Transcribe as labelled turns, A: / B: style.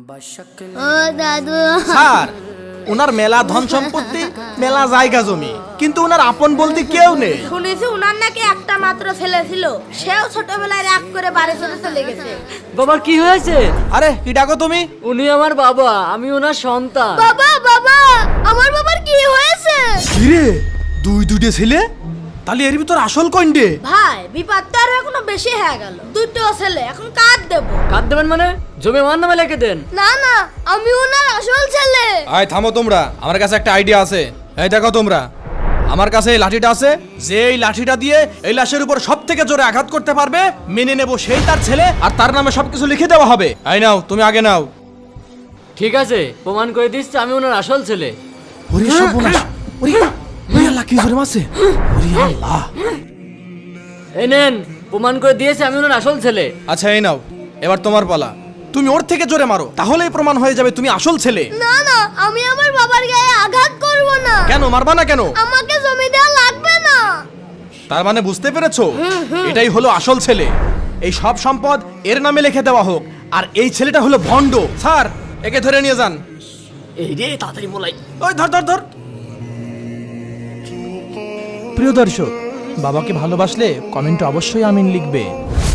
A: ও দাদু,
B: স্যার ওনার মেলা ধন সম্পত্তি, মেলা জায়গা জমি, কিন্তু ওনার আপন বলতে কেউ নেই।
C: শুনেছি উনার নাকি একটা মাত্র ছেলে ছিল, সেও ছোটবেলায় রাগ করে বাড়ি চলে গেছে।
D: বাবার কি হয়েছে?
B: আরে কি ডাকো তুমি?
D: উনি আমার বাবা, আমি ওনার সন্তান।
A: বাবা বাবা, আমার বাবার কি হয়েছে?
B: কিরে দুইটা ছেলে? তাহলে এর ভিতর আসল কইন্ডে?
C: ভাই বিপদ তো আর এখনো বেশি হয়ে গেল, দুটো ছেলে, এখন কার দেবো?
D: কাট দেবেন মানে? জমি আমার নামে লিখে দেন।
A: না না, আমি ওনার আসল ছেলে।
B: আয় থামো তোমরা, আমার কাছে একটা আইডিয়া আছে। এই দেখো তোমরা, আমার কাছে এই লাঠিটা আছে, যে এই লাঠিটা দিয়ে এই লাশের উপর সব থেকে জোরে আঘাত করতে পারবে মেনে নেব সেই তার ছেলে, আর তার নামে সবকিছু লিখে দেওয়া হবে। এই নাও, তুমি আগে নাও।
D: ঠিক আছে, প্রমাণ করে দিচ্ছি আমি ওনার আসল ছেলে।
B: ওরে সর্বনাশ, ওরে আল্লাহ, কি জোরে মারছে! ওরে আল্লাহ!
D: এই নেন, প্রমাণ করে দিয়েছি আমি ওনার আসল ছেলে।
B: আচ্ছা এই নাও, এবার তোমার পালা। তুমি ওর থেকে জোরে মারো, তাহলেই প্রমাণ হয়ে যাবে তুমি আসল ছেলে।
A: না না, আমি আমার বাবার গায়ে আঘাত করব না।
B: কেন মারবা না কেন?
A: আমাকে জমি দেওয়া লাগবে না।
B: তার মানে বুঝতে পেরেছো, এটাই হলো আসল ছেলে। এই সব সম্পদ এর নামে লিখে দেওয়া হোক, আর এই ছেলেটা হলো ভণ্ড। স্যার একে ধরে নিয়ে যান।
D: এই রে, তাড়াতাড়ি বলাই।
B: ওই ধর ধর ধর। প্রিয় দর্শক, বাবাকে ভালোবাসলে কমেন্টে অবশ্যই আমিন লিখবে।